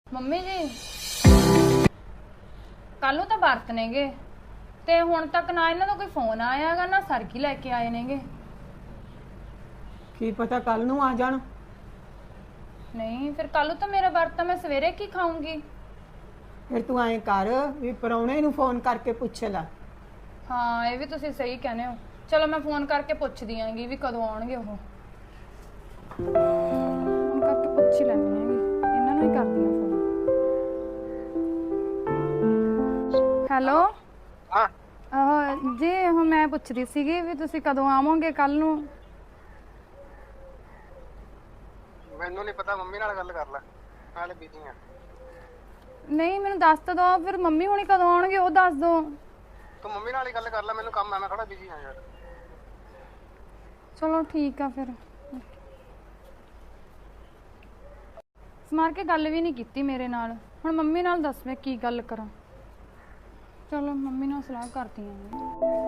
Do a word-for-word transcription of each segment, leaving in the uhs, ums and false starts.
Mummy ਜੀ ਕੱਲ ਨੂੰ ਤਾਂ ਵਰਤ ਨੇਗੇ ਤੇ ਹੁਣ ਤੱਕ ਨਾ ਇਹਨਾਂ ਦਾ ਕੋਈ ਫੋਨ ਆਇਆਗਾ ਨਾ ਸਰਕੀ ਲੈ ਕੇ ਆਏ ਨੇਗੇ। ਕੀ ਪਤਾ ਕੱਲ ਨੂੰ ਆ ਜਾਣ। ਨਹੀਂ ਫਿਰ ਕੱਲ ਨੂੰ ਤਾਂ ਮੇਰਾ ਵਰਤ, ਮੈਂ ਸਵੇਰੇ ਕੀ ਖਾਊਂਗੀ। ਫਿਰ ਤੂੰ ਐਂ ਕਰ ਵੀ ਪਰੌਣੇ ਨੂੰ ਫੋਨ ਕਰਕੇ ਪੁੱਛ ਲੈ। ਹਾਂ ਇਹ ਵੀ ਤੁਸੀਂ ਸਹੀ ਕਹਿੰਦੇ ਹੋ। ਚਲੋ ਮੈਂ ਫੋਨ ਕਰਕੇ ਪੁੱਛਦੀ ਆਂਗੀ ਵੀ ਕਦੋਂ ਆਉਣਗੇ ਉਹ। ਫੋਨ ਕਰਕੇ ਪੁੱਛ ਹੀ ਲੈਣੀ ਹੈਗੀ, ਇਹਨਾਂ ਨੂੰ ਹੀ ਕਰਦੀ ਆ ਫੋਨ। ਹੈਲੋ ਹਾਂ ਆਹ ਜੀ ਉਹ ਮੈਂ ਪੁੱਛਦੀ ਸੀਗੀ ਵੀ ਤੁਸੀਂ ਕਦੋਂ ਆਵੋਗੇ ਕੱਲ ਨੂੰ। ਮੈਨੂੰ ਨਹੀਂ ਪਤਾ, ਮੰਮੀ ਨਾਲ ਗੱਲ ਕਰ ਲੈ, ਨਾਲੇ ਬਿਜ਼ੀ ਆ। ਨਹੀਂ ਮੈਨੂੰ ਦੱਸ ਤਾਂ ਦਿਓ, ਫਿਰ ਮੰਮੀ ਹੁਣੀ ਕਦੋਂ ਆਉਣਗੇ ਉਹ ਦੱਸ ਦਿਓ। ਤੂੰ ਮੰਮੀ ਨਾਲ ਹੀ ਗੱਲ ਕਰ ਲੈ, ਮੈਨੂੰ ਕੰਮ ਹੈ, ਮੈਂ ਥੋੜਾ ਬਿਜ਼ੀ ਹਾਂ ਯਾਰ। ਚਲੋ ਠੀਕ ਆ ਫਿਰ। ਸਮਾਰ ਕੇ ਗੱਲ ਵੀ ਨਹੀਂ ਕੀਤੀ ਮੇਰੇ ਨਾਲ, ਹੁਣ ਮੰਮੀ ਨਾਲ ਦੱਸ ਮੈਂ ਕੀ ਗੱਲ ਕਰਾਂ। ਚਲੋ ਮੰਮੀ ਨਾਲ ਸਲਾਹ ਕਰਦੀ ਆਂ।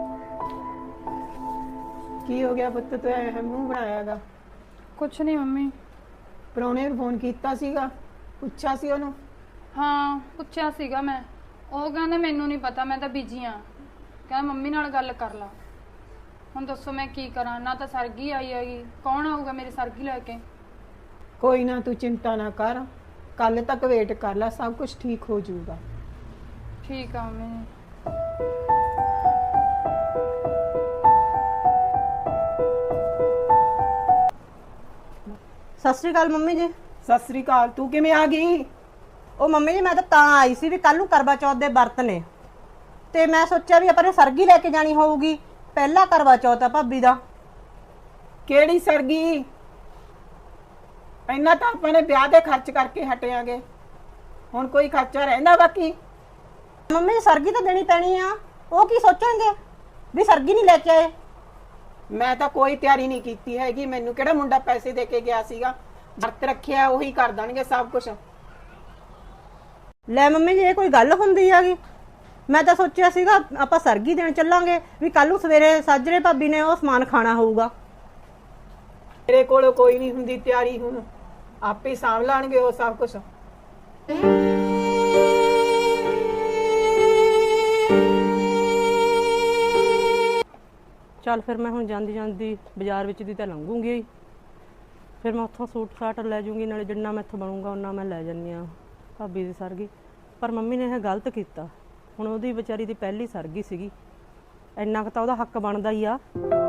ਕੀ ਹੋ ਗਿਆ ਪੁੱਤ, ਤੂੰ ਐ ਮੂੰਹ ਬਣਾਇਆਗਾ? ਕੁਛ ਨਹੀਂ ਮੰਮੀ। ਪਰੌਣੇ ਨੂੰ ਫੋਨ ਕੀਤਾ ਸੀਗਾ, ਪੁੱਛਿਆ ਸੀ ਉਹਨੂੰ? ਹਾਂ ਪੁੱਛਿਆ ਸੀਗਾ ਮੈਂ, ਉਹ ਕਹਿੰਦੇ ਮੈਨੂੰ ਨਹੀਂ ਪਤਾ, ਮੈਂ ਤਾਂ ਬਿਜੀ ਆ। ਕਹਿੰਦਾ ਮੰਮੀ ਨਾਲ ਗੱਲ ਕਰ ਲਾ। ਹੁਣ ਦੱਸੋ ਮੈਂ ਕੀ ਕਰਾਂ, ਨਾ ਤਾਂ ਸਰਗੀ ਆਈ ਹੈਗੀ, ਕੌਣ ਆਊਗਾ ਮੇਰੀ ਸਰਗੀ ਲੈ ਕੇ। ਕੋਈ ਨਾ ਤੂੰ ਚਿੰਤਾ ਨਾ ਕਰ, ਕੱਲ ਤੱਕ ਵੇਟ ਕਰ ਲੈ, ਸਭ ਕੁਝ ਠੀਕ ਹੋ ਜਾਊਗਾ। ਠੀਕ ਆ ਮੰਮੀ। ਸਤਿ ਸ਼੍ਰੀ ਅਕਾਲ ਮੰਮੀ ਜੀ। ਸਤਿ ਸ੍ਰੀ ਅਕਾਲ। ਤੂੰ ਕਿਵੇਂ ਆ ਗਈ? ਉਹ ਮੰਮੀ ਜੀ ਮੈਂ ਤਾਂ ਤਾਂ ਆਈ ਸੀ ਵੀ ਕੱਲ ਨੂੰ ਕਰਵਾ ਚੌਥ ਦੇ ਵਰਤ ਨੇ, ਤੇ ਮੈਂ ਸੋਚਿਆ ਵੀ ਆਪਾਂ ਨੇ ਸਰਗੀ ਲੈ ਕੇ ਜਾਣੀ ਹੋਊਗੀ। ਪਹਿਲਾ ਕਰਵਾ ਚੌਥ ਆ ਭਾਬੀ ਦਾ। ਕਿਹੜੀ ਸਰਗੀ? ਇੰਨਾ ਤਾਂ ਆਪਾਂ ਨੇ ਵਿਆਹ ਦੇ ਖਰਚ ਕਰਕੇ ਹਟਿਆਂਗੇ, ਹੁਣ ਕੋਈ ਖਰਚਾ ਰਹਿੰਦਾ ਬਾਕੀ? ਮੰਮੀ ਜੀ ਸਰਗੀ ਤਾਂ ਦੇਣੀ ਪੈਣੀ ਆ, ਉਹ ਕੀ ਸੋਚਣਗੇ ਵੀ ਸਰਗੀ ਨਹੀਂ ਲੈ ਕੇ ਆਏ। ਮੈਂ ਤਾਂ ਕੋਈ ਤਿਆਰੀ ਨਹੀਂ ਕੀਤੀ ਹੈਗੀ, ਮੈਨੂੰ ਕਿਹੜਾ ਮੁੰਡਾ ਪੈਸੇ ਦੇ ਕੇ ਗਿਆ ਸੀਗਾ। ਵਰਤ ਰੱਖਿਆ ਉਹੀ ਕਰ ਦੇਣਗੇ ਸਭ ਕੁਝ। ਲੈ ਮੰਮੀ ਜੀ ਇਹ ਕੋਈ ਗੱਲ ਹੁੰਦੀ ਹੈਗੀ? ਮੈਂ ਤਾਂ ਸੋਚਿਆ ਸੀਗਾ ਆਪਾਂ ਸਰਗੀ ਦੇਣ ਚੱਲਾਂਗੇ, ਵੀ ਕੱਲ ਨੂੰ ਸਵੇਰੇ ਸਾਜਰੇ ਭਾਬੀ ਨੇ ਉਹ ਸਮਾਨ ਖਾਣਾ ਹੋਊਗਾ। ਤੇਰੇ ਕੋਲ ਕੋਈ ਨਹੀਂ ਹੁੰਦੀ ਤਿਆਰੀ, ਹੁਣ ਆਪੇ ਸਾਂਭ ਲਾਣਗੇ ਉਹ ਸਭ ਕੁਝ। ਚੱਲ ਫਿਰ ਮੈਂ ਹੁਣ ਜਾਂਦੀ ਜਾਂਦੀ ਬਾਜ਼ਾਰ ਵਿੱਚ ਦੀ ਤਾਂ ਲੰਘੂਗੀ, ਫਿਰ ਮੈਂ ਉੱਥੋਂ ਸੂਟ ਸਾਟ ਲੈ ਜੂੰਗੀ, ਨਾਲੇ ਜਿੰਨਾ ਮੈਥੋਂ ਬਣੂਗਾ ਉਹਨਾਂ ਮੈਂ ਲੈ ਜਾਂਦੀ ਹਾਂ ਭਾਬੀ ਦੀ ਸਰਗੀ। ਪਰ ਮੰਮੀ ਨੇ ਇਹ ਗਲਤ ਕੀਤਾ, ਹੁਣ ਉਹਦੀ ਵਿਚਾਰੀ ਦੀ ਪਹਿਲੀ ਸਰਗੀ ਸੀਗੀ, ਇੰਨਾ ਕੁ ਤਾਂ ਉਹਦਾ ਹੱਕ ਬਣਦਾ ਹੀ ਆ।